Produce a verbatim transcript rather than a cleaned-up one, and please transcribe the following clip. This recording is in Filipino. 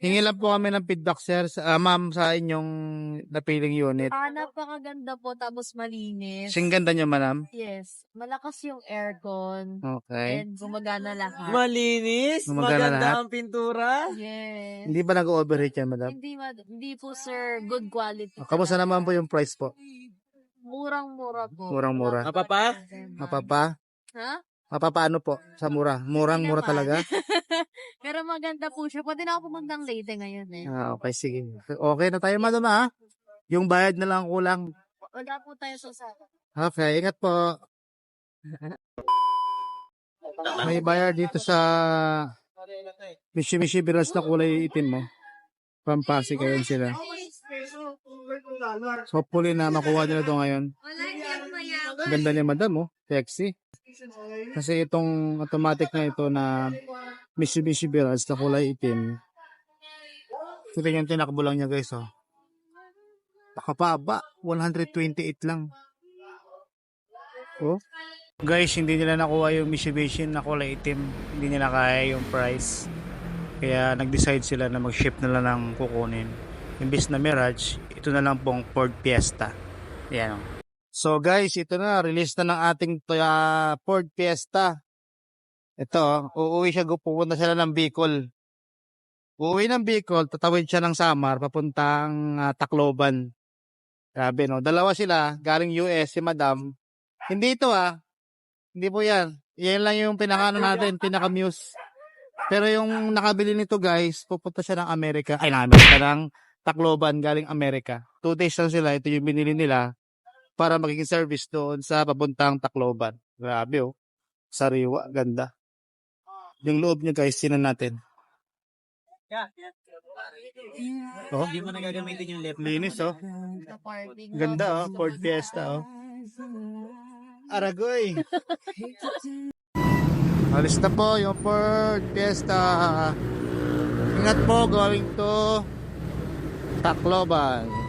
Hingi lang po kami ng feedback, sir, sa, ah, ma'am, sa inyong napiling unit. Ah, napakaganda po, tapos malinis. Sing ganda nyo, madam? Yes, malakas yung aircon. Okay. And gumagana lahat. Malinis, Gumagana maganda lahat? ang pintura. Yes. Hindi ba nag-overheat yan, madam? Hindi, mad- hindi po sir, good quality. Ah, kamusta naman po yung price po? Murang-mura po. Murang-mura. Mapapa? Mapapa? Ha? Mapapaano po sa mura? Murang-mura Hindi naman. talaga? Pero maganda po siya. Pwede na ako pumuntang Leyte ngayon eh. Ah, okay, sige. Okay na tayo, madam, ha? Yung bayad na lang kulang. Wala po tayo sa sala. Okay, ingat po. May bayar dito sa Mishi-Mishi Biras na kulay itim mo. Pampasi kayo sila. So, hopefully na makuha nila ito ngayon. Wala niyang mayaman. Ganda ni madam, oh. Sexy. Kasi itong automatic na ito na Mitsubishi Biras na kulay itim. Ito yung tinakbo lang niya, guys, oh. Nakapaba. one twenty-eight lang. Oh. Guys, hindi nila nakuha yung Mitsubishi na kulay itim. Hindi nila kaya yung price. Kaya nag-decide sila na mag-ship na lang ng kukunin. Imbis na Mirage, ito na lang pong Ford Fiesta. Yan, oh. So guys, ito na, release na ng ating uh, Ford Fiesta. Ito, uuwi siya, pupunta sila ng Bicol. Uuwi ng Bicol, tatawid siya ng Samar, papuntang uh, Tacloban. Grabe, no? Dalawa sila, galing U S, si Madam. Hindi ito, ah. Hindi po yan. Yan lang yung pinakano natin, pinaka-muse. Pero yung nakabili nito, guys, pupunta siya ng Amerika. Ay, ng Amerika, ng Tacloban, galing Amerika. Two days lang sila, ito yung binili nila para magiging service doon sa papuntang Tacloban. Grabe, oh. Sariwa, ganda. Yung loob niya, guys, sinan natin. Oh, Hindi mo nagagamitin yung left. linis, oh. Sa parking. Ganda, oh. Ford Fiesta, oh. Aragoy. Alis na po yung Ford Fiesta. Ingat po, going to Tacloban.